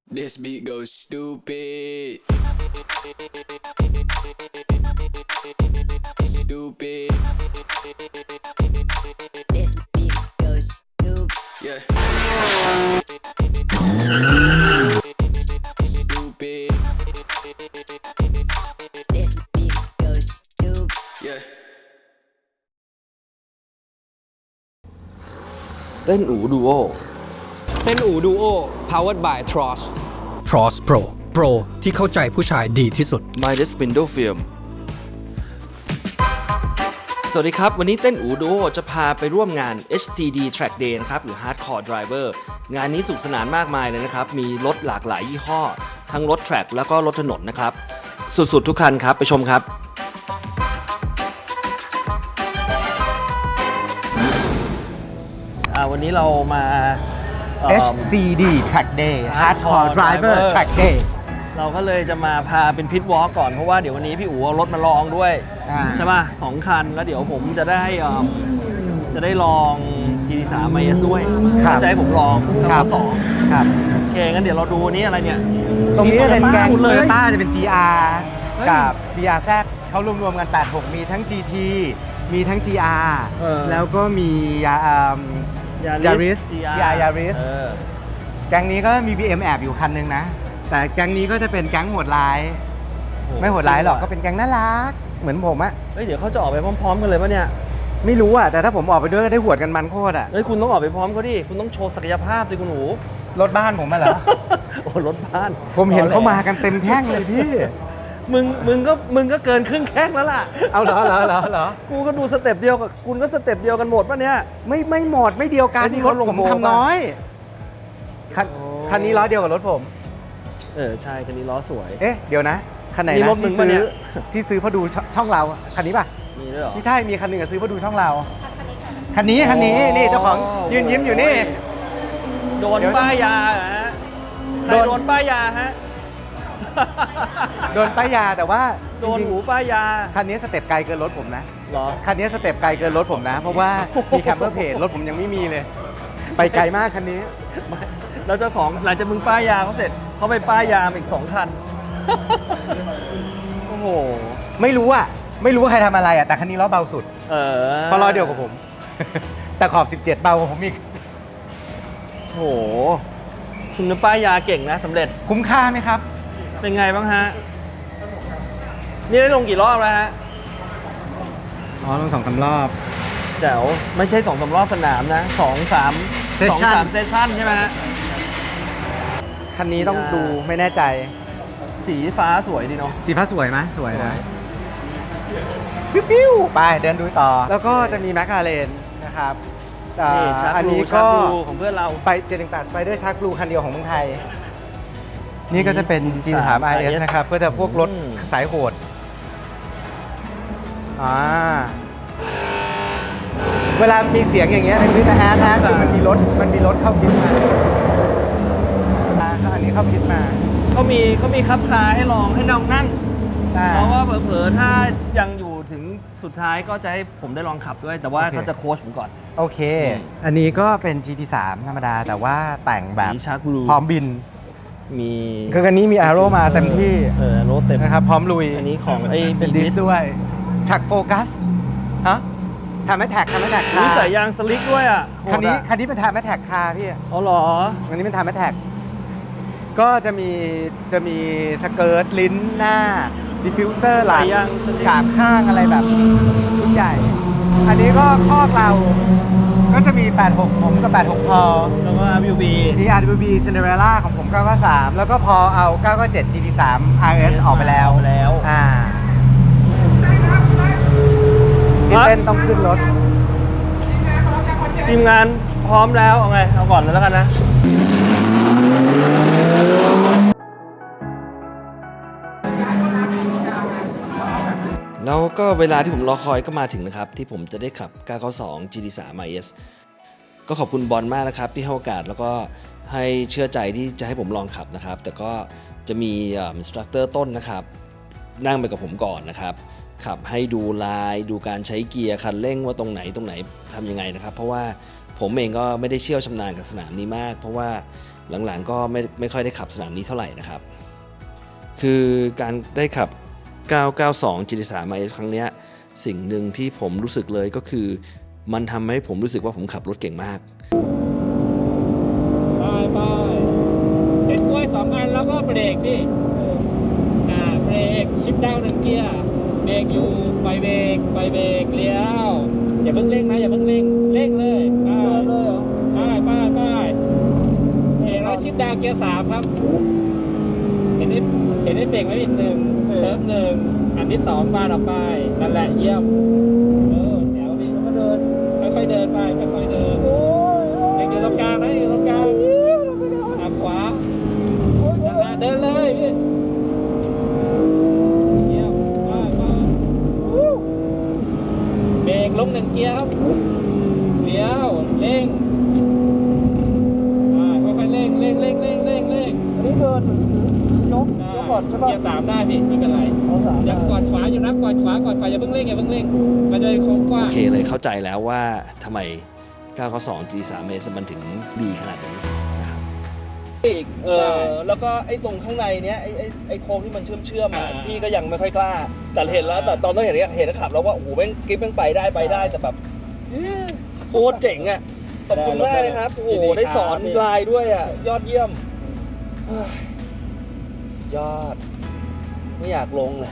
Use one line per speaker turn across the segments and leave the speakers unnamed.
This beat goes stupid. Stupid.
This beat goes stupid.
Yeah. Stupid.
This beat goes stupid.
Yeah.
เต้นอูดูโอ
เต้นอูดูโอ powered by Tross
Tross Pro Pro ที่เข้าใจผู้ชายดีที่สุด
Midas Window Film สวัสดีครับ วันนี้เต้นอูดูโอจะพาไปร่วมงาน HCD Track Day นะครับหรือ Hardcore Driver งานนี้สุขสนานมากมายเลยนะครับ มีรถหลากหลายยี่ห้อ ทั้งรถแทร็กแล้วก็รถถนนนะครับ สุดๆทุกคันครับ ไปชมครับ
วันนี้เรามา
HCD Track Day Hardcore Driver Track Day
เราก็เลยจะมาพาเป็นพิทวอล์กก่อนเพราะว่าเดี๋ยววันนี้พี่อู๋เอารถมาลองด้วย ใช่ป่ะ2 คันแล้วเดี๋ยวผมจะได้ลอง GT3 IS ด้วย
ครับ
จะให้ผมลอง
ครั
ทั้
บ
งสอง
ครับ
โอเคงั้นเดี๋ยวเราดูนี้อะไรเนี่ย
ตรงนี้เป็นแก๊ง
หมดเลย
Toyota จะเป็น GR
เฮ้ย
กับ BRZ เขารวมๆกัน 86 มีทั้ง GT มีทั้ง GR แล้วก็มีYaris GR Yaris แก๊งนี้ก็มี BM แอบอยู่คันนึงนะ แต่แก๊งนี้ก็จะเป็นแก๊งโหดร้าย ไม่โหดร้ายหรอกก็เป็นแก๊งน่ารัก เหมือนผมอะ
เฮ้ยเดี๋ยวเขาจะออกไปพร้อมๆกันเลยปะเนี่ย
ไม่รู้อะแต่ถ้าผมออกไปด้วยก็ได้หวดกันมันโคตรอะ
เฮ้ยคุณต้องออกไปพร้อมเขาดิคุณต้องโชว์ศักยภาพสิคุณอู๋
รถบ้านผมมาเหรอ
โอ้รถบ้าน
ผมเห็นเขามากันเต็มแท่งเลยพี่
มึงก็เกินครึ่งแข้งแล้วล่ะ
เอาเหรอ
กูก็ดูสเต็ปเดียวกับคุณก็สเต็ปเดียวกันหมดป่ะเนี่ย
ไม่หมดไม่เดียวกัน
ไอ้นี่
ร
เขา
ถ
ลง
ผม
โบว์
ทำน้อยคัน
โอ้
คันนี้ล้อเดียวกับรถผม
ใช่คันนี้ล้อสวย
เอ๊ะเดี๋ยวนะคันไหน
นี่
นะ
รถมึง
ที่
ปะเนี่
ซื้อย ที่ซื้อเพราะดูช่องเราคันนี้ป่ะ
มีด้วยเหรอ
ไม่ใช่มีคันหนึ่งอะซื้อเพราะดูช่องเราคันนี้นี่เจ้าของยืนยิ้มอยู่นี่
โดน
เดี๋ยว
ป้ายยาเหรอฮะใคร
โดน
โดนป้ายยาฮะ
โดนป้ายยาแต่ว่า
โดน
จริง
หูป้ายยา
ๆคันนี้สเต็ปไกลเกินรถผมนะ
เหรอ
คันนี้สเต็ปไกลเกินรถผมนะ เพราะว่ามีแคมเปอร์เพจรถผมยังไม่มีเลย ไปไกลมากคันนี้
ไม่แล้วเจ้าของหลังจากมึงป้ายยาเขาเสร็จเขาไปป้ายยามาอีก2 คัน โอ้โห
ไม่รู้ว่าใครทำอะไรอะแต่คันนี้ล้อเบาสุด เพราะล้อเดียวกับผม แต่ขอบ 17 เบากว่าผมอีก
โอ้โหคุณป้ายยาเก่งนะสำเร็จ
คุ้มค่าไหมครับ
เป็นไงบ้างฮะ นี่ได้ลงกี่รอบแล้วฮะ
อ๋อลง2-3 รอบ
แจ๋วไม่ใช่2-3 รอบสนามนะ2-3
Session
2-3 เซสชั่นใช่ไหมฮะ
คันนี้ต้องดูไม่แน่ใจ
สีฟ้าสวยดีเนาะ
สีฟ้าสวยไหมสวย
สว
นะ
ย
ปิ้วๆไปเดินดูต่อ แล้วก็จะมีแมคลาเรนนะครับ
นี่ชาร์
อั
ก
น
บลู
นี้
ชา
ก็
ร์กบลูของเพื่อนเรา
718 Spider Shark Blue คันเดียวของเมืองไทย นี่ก็จะเป็น G3 RS นะครับก็จะพวกรถสายโหดเวลามีเสียงอย่างเงี้ยในพื้นนะฮะคือมันมีรถเข้าพิษมาอันนี้เข้าพิษมา
เขามีคับคาให้ลองให้น้องนั่ง
อ่า
เพราะว่าเผลอๆถ้ายังอยู่ถึงสุดท้ายก็จะให้ผมได้ลองขับด้วย แต่ว่า
โอเค
เขาจะโค้ชผมก่อน
โอเค อันนี้ก็เป็น GT3 ธรรมดา แต่ว่าแต่งแบบ
สีชาร์กบลู
พร้อมบิน
มี
คืออันนี้มี Aero มาเต็มที่
รถเต็ม
นะครับ พร้อมลุย
อันนี้ของไอ้
เป็นดิสด้วยแท็กโฟกัสฮะทำให้แท็ก
มีสายยางสลิกด้วยอ่ะโหด
คันนี้
อะ
เป็นทำให้แท็กคาพี่
อ๋อเหรอ
อันนี้เป็นทำให้แท็กก็จะมีสเกิร์ตลิ้นหน้าดิฟฟิวเซอร์หลัง
สายยางสลิก
ขามข้างอะไรแบบรุ่นใหญ่ อันนี้ก็คอกเราก็จะมี 86 ผมกับ 86 พอ
แล้วก็ RWB
มี RWB Cinderella ของผม 993 แล้วก็พอเอา 997 GT3 RS ออกไปแล้ว พี่เต้นต้องขึ้นรถ
ทีมงานพร้อมแล้วเอาไงเอาก่อนเลยแล้วกันนะ
แล้วก็เวลาที่ผมรอคอยก็มาถึงนะครับ ที่ผมจะได้ขับ 992 GT3 IS ก็ขอบคุณบอลมากนะครับที่ให้โอกาสแล้วก็ให้เชื่อใจที่จะให้ผมลองขับนะครับ แต่ก็จะมีอินสตรัคเตอร์ต้นนะครับ นั่งไปกับผมก่อนนะครับ ขับให้ดูลายดูการใช้เกียร์คันเร่งว่าตรงไหนทำยังไงนะครับ เพราะว่าผมเองก็ไม่ได้เชี่ยวชำนาญกับสนามนี้มาก เพราะว่าหลังๆก็ไม่ค่อยได้ขับสนามนี้เท่าไหร่นะครับคือการได้ขับ 992 GT3 RS ครั้งเนี้ยสิ่งหนึ่งที่ผมรู้สึกเลยก็คือมันทำให้ผมรู้สึกว่าผมขับรถเก่งมาก
ไปเห็นกล้วย2 อันแล้วก็เบรกพี่เบรกชิปดาวน์1 เกียร์เบรกอยู่ไปเบรกเลี้ยวอย่าเพิ่งเร่งนะอย่าเพิ่งเร่งเลยไปเลยเหรอไปแล้วชิปดาวน์เกียร์3ครับเห็นได้เบรกไหมอีก1เซิร์ฟ1อันที่2ปาดออกไปนั่นแหละเยี่ยมแจ๋วพี่แล้วก็เดินค่อยๆเดินไปค่อยๆเดินยังอยู่ตรงกลางนะอยู่ตรงกลางขวานั่นแหละเดินเลยพี่เยี่ยมไปเบรกลง1 เกียร์ครับเลี้ยวเร่งค่อยๆเร่งอันนี้เดินยกก่อนใช่ป่ะเกียร์3ได้พี่ไม่เป็นไรยังกอดขวาอยู่นะกอดขวาอย่าเพิ่งเร่งมันจะเป็นโค้งกว้าง
โอเคเลยเข้าใจแล้วว่าทำไม 992 GT3 RS มันถึงดีขนาดนี้นะครับ
อีกแล้วก็ไอ้ตรงข้างในเนี้ยไอ้โค้งที่มันเชื่อมพี่ก็ยังไม่ค่อยกล้าแต่เห็นแล้วแต่ตอนต้องเห็นขับแล้วว่าโอ้โหแม่งกิ๊บแม่งไปได้แต่แบบโคตรเจ๋งอ่ะขอบคุณมากเลยครับโอ้โหได้สอนลายด้วยอ่ะยอดเยี่ยมสุดยอดไม่อยากลงเลย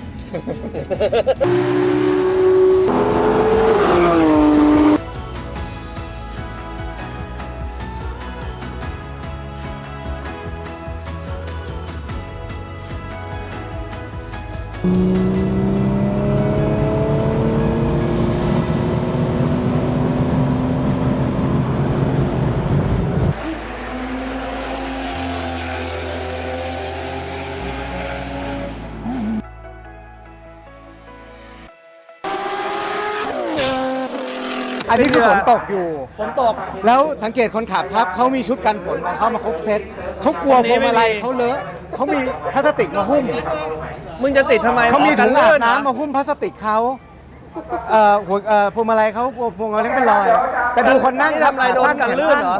อันนี้คือฝนตกอยู่
ฝนตก
แล้วสังเกตคนขับครับเขามีชุดกันฝนของเขามาครบเซตเขากลัวพวงมาลัยเขาเลอะเขามีพลาสติกมาหุ้ม
มึงจะติดทำไม
เขามีถุงอาบน้ำ
มา
มาหุ้มพลาสติกเขาพวงมาลัยเขาพวงมาลัยเป็นรอย แต่ดูคนนั่ง
ทำอะไรโดนกันลื่นเหรอ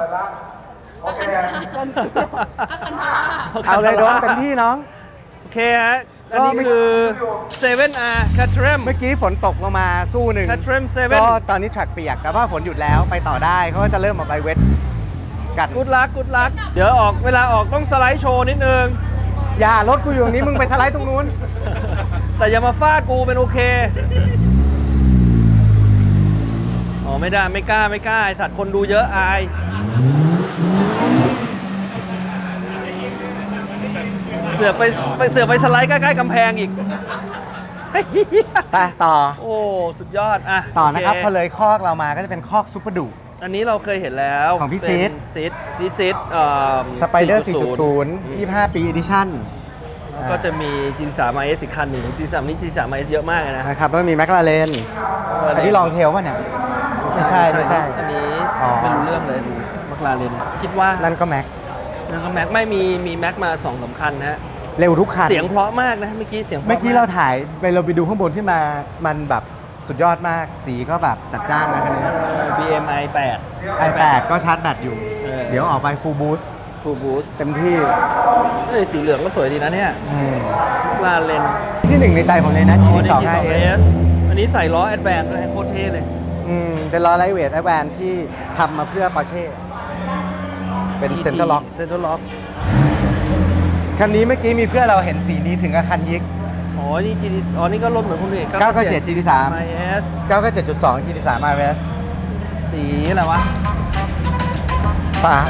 เอาเลยโดนเป็นที่น้อง
โอเคฮะอันนี้คือ 7R Caterham
เมื่อกี้ฝนตกลงมาสู้หนึ่ง
Caterham
ก็
7
ตอนนี้แทร็กเปียกแต่ว่าฝนหยุดแล้วไปต่อได้เขาก็จะเริ่มออกไปเวทกัน
กูดลักเดี๋ยวเวลาออกต้องสไลด์โชว์นิดนึง
อย่ารถกูอยู่ตรงนี้มึงไปสไลด์ตรงนู้น
แต่อย่ามาฟาดกูเป็นโอเคอ๋อไม่ได้ไม่กล้าไอ้สัตว์คนดูเยอะอายเสือกไปสไลด์ใกล้ๆกำแพงอีก
ไปต่อ
โอ้สุดยอดอ่ะ
ต่อนะครับ
โเ
พอเลยคอกเรามาก็จะเป็นคอกซุปเปอร์ดุ
อันนี้เราเคยเห็นแล้ว
ของพี่
เป็น
ซิด
พี่ซิด
สไปเดอร์ 4.0 25 ปี edition
แล้วก็จะมี G3 RS อีกคันหนึ่ง G3 นี่ G3 RS เยอะมากเลยนะ
นะครับแล้วก็มีแมคลาเรนอันนี้ลองเทลป่ะเนี่ย ไม่ใช่
อันนี้
อ๋อ
ไม่รู้เรื่องเลยมัคลาเรนคิดว่า
นั่นก็แม็ก
นั่นก็แม็กไม่มีแม็กมา2-3 คันนะฮะ
เร็วทุกคัน
เสียงเพราะมากนะเมื่อกี้เสียงพะ
เมื่อกี้เราถ่ายเราไปดูข้างบนที่มามันแบบสุดยอดมากสีก็แบบจัดจ้านนะคันนี้
BMI
i8 ก็ชาร์จแบตอยู่
เออ
เดี๋ยวออกไป full boost
Full Boost
เต็มที่
สีเหลืองก็สวยดีนะเนี่ย
อืม
มัคลาเรน
ที่หนึ่งในใจผมเลยนะ GT2 RS
อันนี้ใส่ล้อ Advance ด้วยโคตรเท่เลย
เป็นล้อไลท์เวทไอแวนที่ทำมาเพื่อปอร์เช่เป็นเซ็นเตอร์ล็อก
เซ็นเตอร์ล็อก
คันนี้เมื่อกี้มีเพื่อนเราเห็นสีนี้ถึงกับคันยิก
อ๋อ นี่ GT อ๋อ นี่ก็รถเหมือนคนอื่น
997 GT3
IS
997.2 GT3 RS
สีอะไรวะ
ฟ้า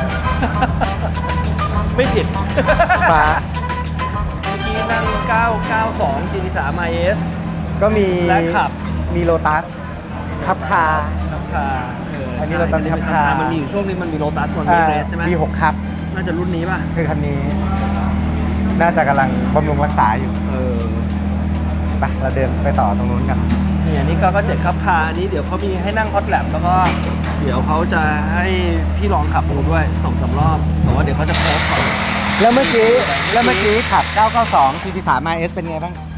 ไม่ผิด
ฟ้า
เมื่อกี้นั่ง 992 GT3 IS
ก็มี
และขับ
มีโลตัสขับคา
ขับคา
อันนี้ Lotus ขับคา
มันมีอยู่ช่วงนึงมันมีโ o ตัสมันมีเรสใช่ไหม
B6 ครับ
น่าจะรุ่นนี้ป่ะ
คือคันนี้ น่าจะกำลังบำรุงรักษาอยู่ ไปเราเดินไปต่อตรงนู้นกัน
นี่อันนี้ก็เจ็ดขับคาอันนี้เดี๋ยวเขามีให้นั่งฮอตแลปแล้วก็เดี๋ยวเขาจะให้พี่ลองขับดูด้วย2-3 รอบแต่ว่าเดี๋ยวเขาจะโพสต์ก่อน
แล้วเมื่อกี้ขับ 992 GT3 RS เป็นไงบ้าง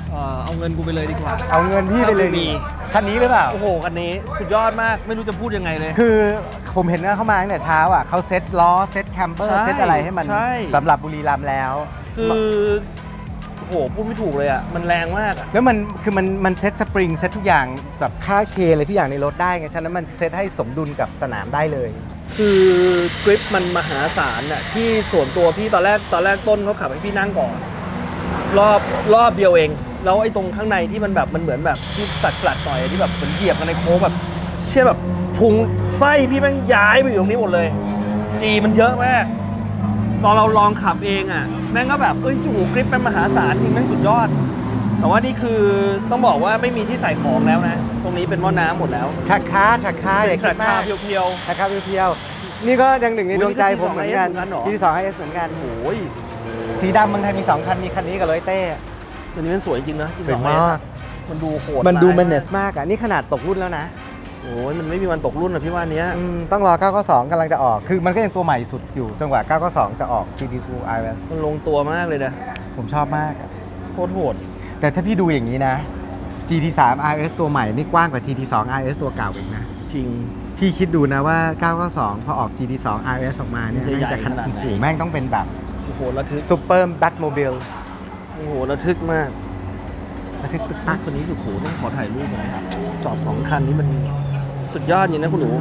เอาเงินกูไปเลยดีกว่า
เอาเงินพี่ไปเลย
ถ้ากูมี
คันนี้หรือเปล่า
โอ้โหคันนี้สุดยอดมากไม่รู้จะพูดยังไงเลย
คือผมเห็นว่าเขามาตั้งแต่เช้าอ่ะเขาเซ็ตล้อเซ็ตแคมเปอร์
ใช่
เซ็ตอะไรให้มัน
ใช่
สำหรับบุรีรัมย์แล้ว
คือโอ้โหพูดไม่ถูกเลยอ่ะมันแรงมากอ่ะ
แล้วมันคือมันเซ็ตสปริงเซ็ตทุกอย่างแบบค่าเคอะไรทุกอย่างในรถได้ไงฉะนั้นมันเซ็ตให้สมดุลกับสนามได้เลย
คือกริปมันมหาศาลอ่ะที่ส่วนตัวพี่ตอนแรกต้นเขาขับให้พี่นั่งก่อนรอบเดียวเองแล้วไอ้ตรงข้างในที่มันแบบมันเหมือนแบบที่สัดกลัดหน่อยที่แบบเหมือนเหยียบกันในโค้งแบบเชื่อแบบพุงไส้พี่แม่งย้ายไปอยู่ตรงนี้หมดเลยจีมันเยอะมากตอนเราลองขับเองอ่ะแม่งก็แบบโอ้โหกริปเป็นมหาศาลจริงแม่งสุดยอดแต่ว่านี่คือต้องบอกว่าไม่มีที่ใส่ของแล้วนะตรงนี้เป็นหม้อน้ำหมดแล้ว
แทร็กคาร์อย่า
แท
คิ
ร็
ด
ก
มา
คาก ร์เพียว
แทร็กคาร์เพียวๆนี่ก็ยังหนึ่งในดวงใจผมเหมือนกัน
GT2
GT2 RS เหมือนกัน
ๆโอ้ย
สีดำเมืองไทยมี 2 คันมีคันนี้กับโรยเต้
ตัวนี้มันสวยจริงนะ
สวยมาก
มันดูโหด
มันดู
ร้าย
มันเนสมากอ่ะนี่ขนาดตกรุ่นแล้วนะ
โอ้ยมันไม่มีวันตกรุ่นนะพี่ว่าเนี้ย
ต้องรอ 992 กำลังจะออก คือมันก็ยังตัวใหม่สุดอยู่จนกว่า 992 จะออก GT2 RS
มันลงตัวมากเลยนะ
ผมชอบมากอะ
โคตรโหด
แต่ถ้าพี่ดูอย่างนี้นะ GT3 RS ตัวใหม่นี่กว้างกว่า GT2 RS ตัวเก่าอีกนะ
จริง
พี่คิดดูนะว่า 992 พอออก GT2 RS ออกมาเนี่ย
มันจะใหญ่
แม่งจะ
ขนาดไหน
โอ้โหแม่งต้องเป็นแบบ
โอ้โหระทึก
ซูเปอร์แบทโมบิล
โอ้โหระทึกมาก
ระทึกตึก
ตั
ตั
ก
ก
คนนี้คือโหต้องขอถ่ายรูปหน่อยครับจอด2 คันนี้มันสุดยอดจริงนะคุณหนู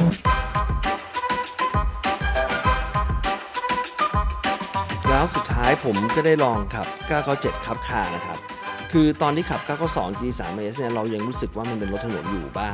แล้วสุดท้ายผมก็ได้ลองขับ 997 ขับคาร์นะครับ คือตอนที่ขับ 992 GT3 RS เนี่ยเรายังรู้สึกว่ามันเป็นรถถนนอยู่บ้าง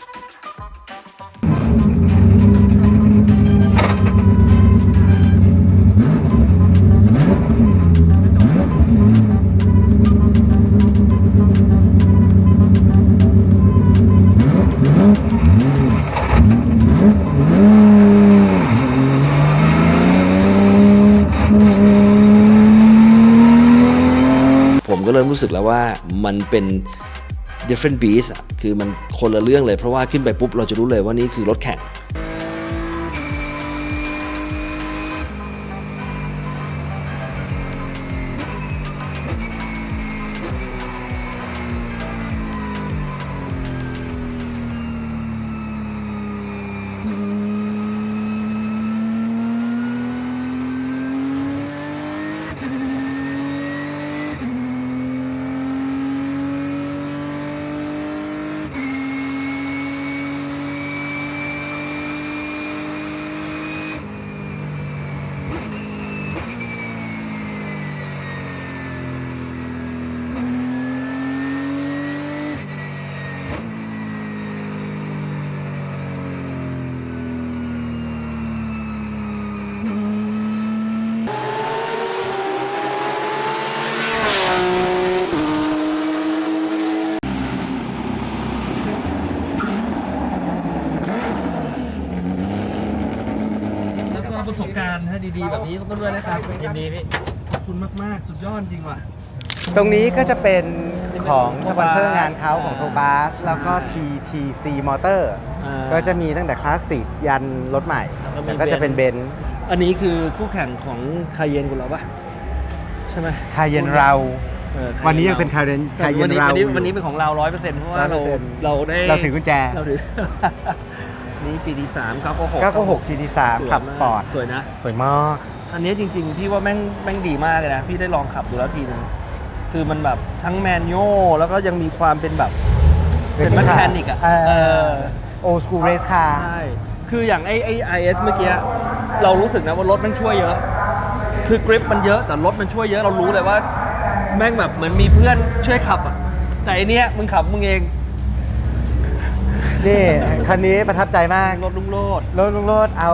ผมก็เริ่มรู้สึกแล้วว่ามันเป็น different beast อ่ะ คือมันคนละเรื่องเลย เพราะว่าขึ้นไปปุ๊บเราจะรู้เลยว่านี่คือรถแข่ง
แล้วก็ประสบการณ์ดีๆแบบนี้ต้องด้วยนะครับยินดีพี่ขอบคุณมากๆสุดยอดจริงว่ะ
ตรงนี้ก็จะเป็นของสปอนเซอร์งานเขาของโทบาสแล้วก็ TTC Motor ก็จะมีตั้งแต่คลาสสิกยันรถใหม่แต่ก็จะเป็นเบนซ์
อันนี้คือคู่แข่งของคาเยนคุณเราปะใช่ไหม
คาเยนเรา
Cayenne
วันนี้ยังเป็นคาเยน
วันนี้
เรา
วันนี้เป็นของเรา 100%เพราะว่าเรา
100%
เราได้
เราถือกุญแจ
เราถือ นี่ GT3
996 GT3 ขับสปอร์ต
สวยนะ
สวยมาก
อันนี้จริงๆ พี่ว่าแม่งดีมากเลยนะ พี่ได้ลองขับดูแล้วทีนึงคือมันแบบทั้งแมนนวลแล้วก็ยังมีความเป็นแบบเป็นแมคานิกอ่ะ
โอสกูเรสคาร์
ใช่คืออย่างไอ้ IS เมื่อกี้เรารู้สึกนะว่ารถมันช่วยเยอะ คือกริปมันเยอะแต่รถมันช่วยเยอะเรารู้เลยว่าแม่งแบบเหมือนมีเพื่อนช่วยขับอ่ะแต่อันเนี้ยมึงขับมึงเอง
นี่ คันนี้ประทับใจมาก
รถลุงโลด
รถลุงโรดเอา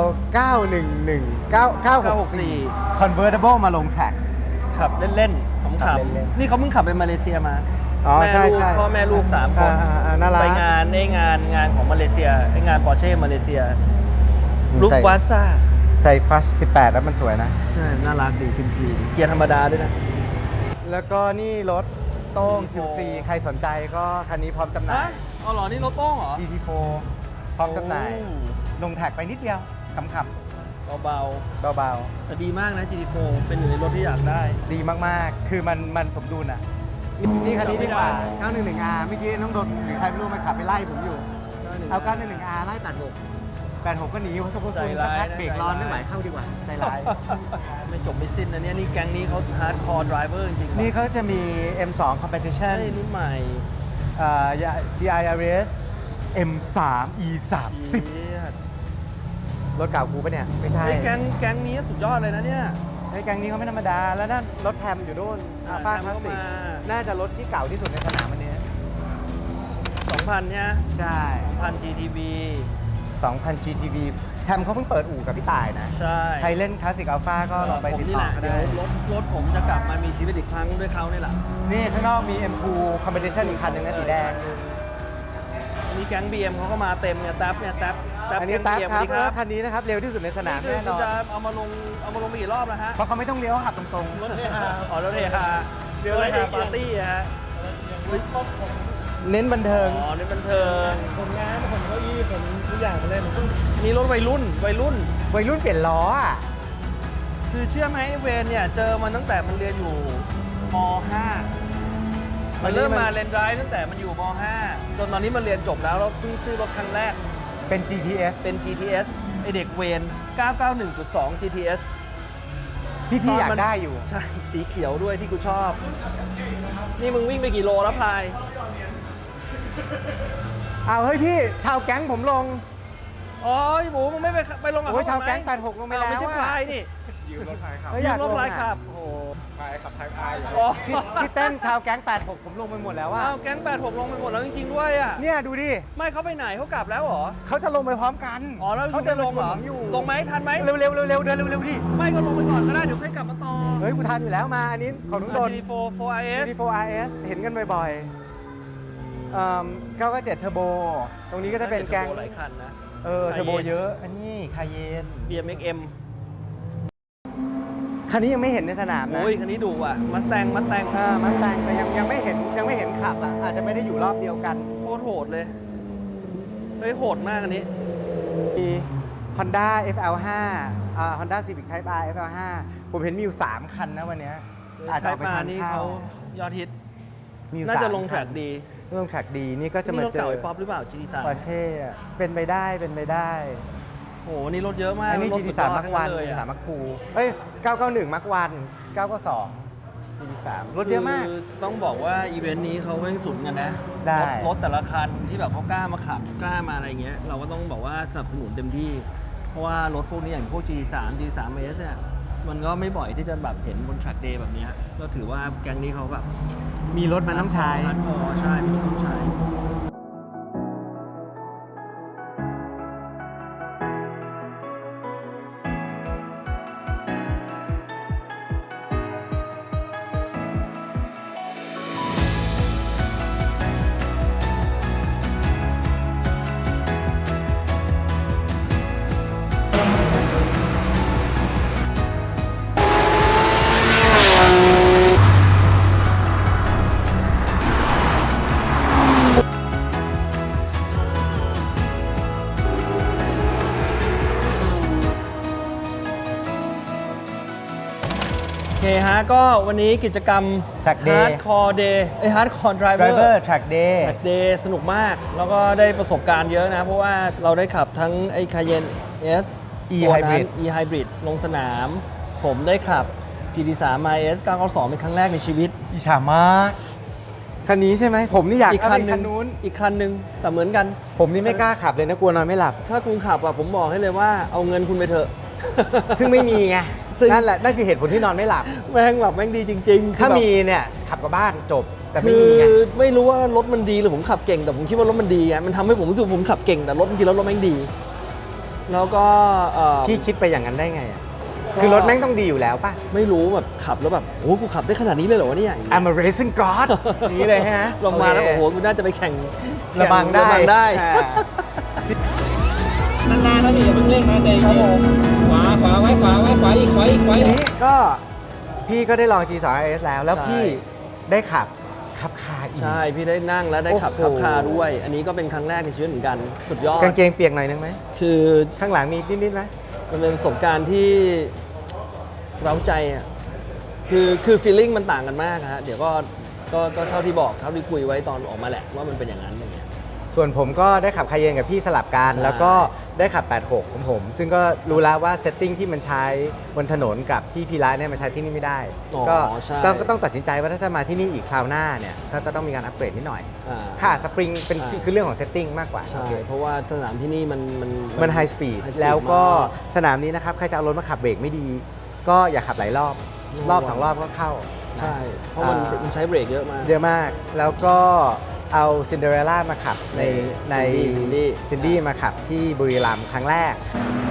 964 convertible มาลงแทร็ก
ขับเล่นๆข
ขับ
ำ
เล่น
ๆนี่เขาเพิ่งขับไปมาเลเซียมา
อ๋อ
แม่
ใช่
ลูก
ใช่
พ่อแม่ลูก3 คน
น่ารัก
ไปงานของมาเลเซียไองานปอร์เช่มาเลเซียลูกวาซ่า
ใส่ฟัช18 แล้วมันสวยนะ
ใช่น่ารักดีจริงๆเกียร์ธรรมดาด้วยนะ
แล้วก็นี่รถโต้ง QC ใครสนใจก็คันนี้พร้อมจำหน่าย
อ๋อเหรอนี่รถโต้งเหรอ
GT4 พร้อมจำหน่าย ลงแท็กไปนิดเดียวขำ
เบา
ๆเบา
ๆแต่ดีมากนะ GT4 เป็นหนึ่งในรถที่อยากได้
ๆ ดีมากๆ คือมันสมดุลอ่ะนี่คันนี้ดีกว่า 911R เมื่อกี้น้องดนหรือใครไม่รู้มาขับไปไล่ผมอยู่ เอา 911R ไล่ 86ก็หนีเขาสมบูรณ์สักพักเบรกร้อนไม่ไหวเข้าดีกว่า ใจร้าย
ไม่จบไม่สิ้นนะเนี่ยนี่แก๊งนี้เขาฮาร์ดคอร์ดรเวอร์จริงๆ
นี่เขาจะมี M2 Competition
ใช่รุ่นใหม่
GIRS M3 E30 รถเก่ากูปะเนี่ย ไม่ใช่
ไอ้แก๊งนี้สุดยอดเลยนะเนี่ย
ไอ้แก๊งนี้เขาไม่ธรรมดา แล้วนั่นรถแทมอยู่นู่นอัลฟา
แท
ค
ม
ลาส
ก็
สิก
มา
น่าจะรถที่เก่าที่สุดในสนามวันนี้
2,000เนี่ย
ใช่
1,000 GTB
2,000 GTV แทมเขาเพิ่งเปิดอู่กับพี่ต่ายนะ
ใช่
ใครเล่นคลาสสิกอัลฟาก็ลองไป
ผม
ติด
นี่
ต่
แห
อ
ละ
เขา
เดี๋ย
ได้
วรถผมจะกลับมามีชีวิตอีกครั้งด้วยเขานี่แหละ
นี่ข้างนอกมี M2 Competition อีกคันหนึ่งนะสีแดง
อันนี้แก๊ง BM เขาก็มาเต็มเนี่ยแท็บ
อันนี้
แก๊ง
แท็บ
BM
ครับ
สวัสดี
คันนี้นะครับ เร็วที่สุดในสนาม
นี่
แน่นอน
จะเอามาลงไปกี่รอบแล้วฮะ
เพราะเขาไม่ต้องเลี้ยวขับตรงๆ
รถเฮฮาอ๋อรถเฮฮาเรือเฮฮาปาร์ตี้อะฮะ
เน้นบันเทิง
อ๋อนี่บันเทิงผลงานผลเก้าอี้ผลทุกอย่างเลยนี่รถวัยรุ่น
วัยรุ่นเปลี่ยนล้ออ่ะ
คือเชื่อไหมเวนเนี่ยเจอมันตั้งแต่มันเรียนอยู่ม .5 มันเริ่มมาเรียนไดรฟ์ตั้งแต่มันอยู่ม .5 จนตอนนี้มันเรียนจบแล้วแล้วเพิ่งซื้อรถครั้งแรก
เป็น GTS
เป็น GTS ไอเด็กเวน 991.2 GTS
ที่พี่อยากได้อยู่
ใช่ สีเขียวด้วยที่กูชอบ นี่มึงวิ่งไปกี่โลแล้วพลาย
เอาเฮ้ยพี่ ชาวแก๊งผมลง
อ๋อหมูมึงไม่ไปลงกับ
โอ้
เขา
ยชาวแก๊ง
ไหม
86ลงไปแล้ว
ไม่ใช่
อะ
พลายนี่
เฮ้ย
ยื
อยาม ก
รถ
ลง
พลาย
อะ
ขับ โอ้โห
พี่พี่เต้นชาวแก๊ง86ผมลงไปหมดแล้วว่า
อ้าวแก๊ง86ลงไปหมดแล้วจริงๆด้วยอ่ะ
เนี่ยดูดิ
ไม่เขาไปไหนเขากลับแล้วเหรอ
เขาจะลงไปพร้อมกัน
อ๋อแล้ว
เขา
คุณ
เดิ
จะ
น
ล
ล
ง
ง
เหรอ
ผมอยู่
ลงไหมทันไหม
เร็วเร็วเร็วเร็วเดินเร็วเร็วดิ
ไม่ก็ลงไปก่อนก็ได้เดี๋ยวค่อยกลับมาต่อ
เฮ้ยกูทันอยู่แล้วมาอันนี้ของน้องโดน
GT4 4RS
GT4RS เห็นกันบ่อยๆ997เทอร์โบตรงนี้ก็จะเป็นแก๊ง
หลายคันนะ
เทอร์โบเยอะอันนี้คาเยน
BMXM
คันนี้ยังไม่เห็นในสนามนะ
โอ้ยคันนี้ดูว่ะมัสแตง
มาสแตงแต่ยังไม่เห็นขับอ่ะอาจจะไม่ได้อยู่รอบเดียวกัน
โคตรโหดเลย เฮ้ยโหดมากอันนี้
มี Honda FL5 Honda Civic Type R FL5 ผมเห็นมีอยู่ 3 คันนะวันเนี้ยอาจจะ
ไท
เอา
ย
ไป
มา
ทาน
นี่
ข้า
เขา
วย
อดฮิต
มีอยู่
น่าจะ
3
ลงแทร็กดี
ลงแทร็กดีนี่ก็จะ
นี่
มาร
ถ
เจอ
เก่าไอ้ป๊อปหรือเปล่า GT3
ปอร์เช่เป็นไปได้เป็นไปได้
โอ้โหนี่รถเยอะมาก
อันนี้
รถ
GT3 มักวัน
เลย
GT3 มักคูเอ้ย991มักวัน992 GT3 รถเยอะมาก
คือต้องบอกว่าอีเวนต์นี้เขาแม่งสุดกันนะ
ได้
รถแต่ละคันที่แบบเขากล้ามาขับกล้ามาอะไรเงี้ยเราก็ต้องบอกว่าสนับสนุนเต็มที่ เพราะว่ารถพวกนี้อย่างพวก GT3 GT3S เนี่ยมันก็ไม่บ่อยที่จะแบบเห็นบน track day แบบเนี้ยก็ถือว่าแก๊งนี้เขาแบบ
มีรถมันต้องใช้
ฮาร์ดคอร์ใช่มีรถต้องใช้ โอเคฮะก็วันนี้กิจกรรม
Track Day
Hardcore Day Hardcore Driver
Driver Track Day
Track Day สนุกมาก แล้วก็ได้ประสบการณ์เยอะนะ เพราะว่าเราได้ขับทั้งไอ้ Cayenne S
E
ตัวนั้น
Hybrid
E Hybrid ลงสนาม ผมได้ขับ GT3 RS 992เป็นครั้งแรกในชีวิต
อิจฉามากคันนี้ใช่ไหมผมนี่อยาก
อีก
เอา
คั
ไป
นหนึ่
คั
ง
นนู้น
อีกคันหนึ่งแต่เหมือนกัน
ผมนี่ไม่กล้าขับเลยนะกลัวนอนไม่หลับ
ถ้าคุณขับอะผมบอกให้เลยว่าเอาเงินคุณไปเถอะ
ซึ่งไม่มีไง
ซึ่ง
นั่นแหละนั่นคือเหตุผลที่นอนไม่หลับ
แม่งแบบแม่งดีจริงๆ
ถ้า
คือแบบ
มีเนี่ยขับกลับบ้านจบแต่ไม่
คื
มี
อ
ไง
ไม่รู้ว่ารถมันดีหรือผมขับเก่งแต่ผมคิดว่ารถมันดีไงมันทำให้ผมรู้สึกว่าผมขับเก่งแต่รถจริงๆแล้วรถแม่งดี แล้วก็
พี่คิดไปอย่างนั้นได้ไงอ่ะคือรถแม่งต้องดีอยู่แล้วป่ะ
ไม่รู้แบบขับแล้วแบบโอ้กูขับได้ขนาดนี้เลยเหรอวะเนี่ย
I'm a racing god อย่างนี้เลยฮะ
ลงมาแล้ว
โอ
โอ้
เค
โหกูน่าจะไปแข่ง
ระบังได้
ระบังได้
อ่า
นานๆนะพี่อย่าเพิ่งเร่งนะใจเย็นขวาไว้ขวาอีก
ทีนี้ก็พี่ก็ได้ลอง G2RS แล้วพี่ได้ขับคาอีก
ใช่พี่ได้นั่งแล้วได้ขับ
โอ้
ขั
โห
บคาร์ด้วย อันนี้ก็เป็นครั้งแรกในชีวิตเหมือนกันสุดยอด
กางเกงเปียกหน่อยนึงไหม
คือ
ข้างหลังมีนิดๆไหม
มันเป็นประสบการณ์ที่เร้าใจอ่ะคือฟีลลิ่งมันต่างกันมากฮะเดี๋ยวก็
ก็เท่าที่บอกเท่าที่คุยไว้ตอนออกมาแหละว่ามันเป็นอย่างนั้นอย่างเงี้ย
ส่วนผมก็ได้ขับคาเยนกับพี่สลับกัน
ใช่
แล้วก็ได้ขับ 86 ของผม ซึ่งก็รู้แล้วว่าเซตติ้งที่มันใช้บนถนนกับที่พีระเนี่ยมันใช้ที่นี่ไม่ได้ ก็
ใช่
ต้องตัดสินใจว่าถ้าจะมาที่นี่อีกคราวหน้าเนี่ยก็จะต้องมีการอัปเกรดนิดหน่อย
อ่า
ค่ะสปริงเป็น
ใช่
คือเรื่องของเซตติ้งมากกว่า
ใช่
โอเค
เพราะว่าสนามที่นี่
มันไฮสปีด
high speed
แล้วก็
มาก
สนามนี้นะครับ ใครจะเอารถมาขับเบรกไม่ดี ก็อย่าขับหลายรอบ รอบสองรอบก็เข้า
ใช่ เพราะมันใช้เบรกเยอะมาก
เยอะมาก แล้วก็เอาซินเดอเรลล่ามาขับใน
ซินดี้
มาขับที่บุรีรัมย์ครั้งแรก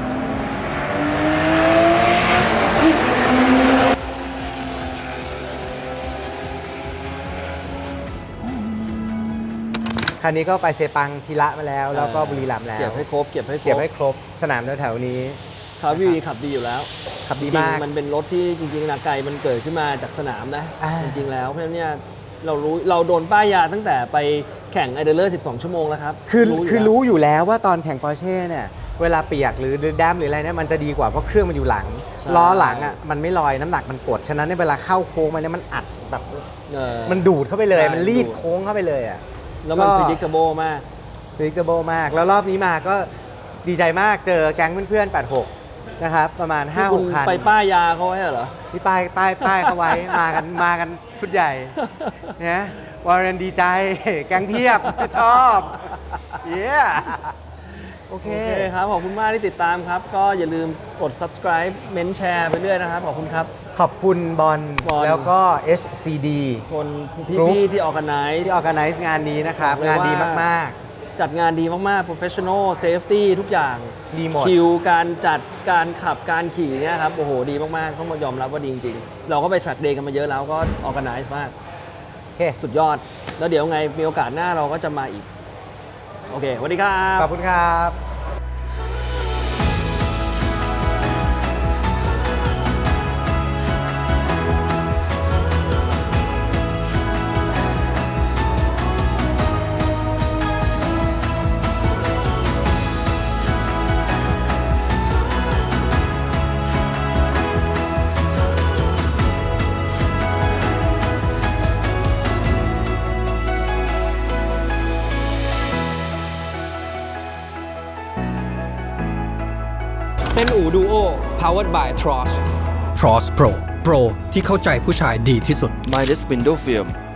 คันนี้ก็ไปเซปังพีระมาแล้ว แล้วก็บุรีรัมย์แล้ว
เก็บให้ครบ
เก็บให้ครบสนามแถวๆนี้
คาร์วีขับดีอยู่แล้ว
ขับดี
จริง
มาก
ๆมันเป็นรถที่จริงๆนาไกมันเกิดขึ้นมาจากสนามนะ
อ่า
จริงๆแล้วเพราะฉะนั้นเนี่ยเราโดนป้ายยาตั้งแต่ไปแข่งไอเดอร์เลอร์12 ชั่วโมงแล้วครับ
คือรู้อยู่แล้วว่าตอนแข่งปอร์เช่เนี่ยเวลาเปียกหรือแดมหรืออะไรเนี่ยมันจะดีกว่าเพราะเครื่องมันอยู่หลัง
ใช่
ล้อหลังอ่ะมันไม่ลอยน้ำหนักมันกด ฉะนั้นในยเวลาเข้าโค้งมันเนี่ยมันอัดแบบ มันดูดเข้าไปเลย
ใช่
มันรีด
ดูด
โค้งเข้าไปเลยอ่ะ
แล้วมัน
ก็
predictable มาก
predictable มาก แล้วรอบนี้มาก็ดีใจมากเจอแก๊งเพื่อนๆ 86 นะครับ ประมาณ
ที่คุณ
5-6 คัน
ไปป้ายยาเขาไว้เหรอ
ที่ป้ายเขาไว้ มากันชุดใหญ่เนี่ยวาเรนดีใจ แก๊งเทียบ ชอบเย้โอเค
โอเคครับ ขอบคุณมากที่ติดตามครับ ก็อย่าลืมกด subscribe เมนแชร์ไปเรื่อยนะครับ ขอบคุณครับ
ขอบคุณบอล
บอล
แล้วก็ HCD
คน
กรุ๊ป
พี่ๆที่ organize
ที่ organize งานนี้นะครับ
บอกเลย
งานดี
ว่า
มาก
จัดงานดีมาก ๆ professional safety ทุกอย่าง
ดีหมด
คิวการจัดการขับการขี่เนี่ยครับ โอ้โห ดีมาก ๆ ต้องมายอมรับว่าดีจริง ๆ เราก็ไป track day กันมาเยอะแล้วก็ organize มาก
ๆ โอเค
สุดยอด แล้วเดี๋ยวไงมีโอกาสหน้าเราก็จะมาอีก โอเคสวัสดีครับ
ขอบคุณครับ
เป็นอู่ดูโอ powered by Tross
Tross Pro Pro ที่เข้าใจผู้ชายดีที่สุด
Midas Window Film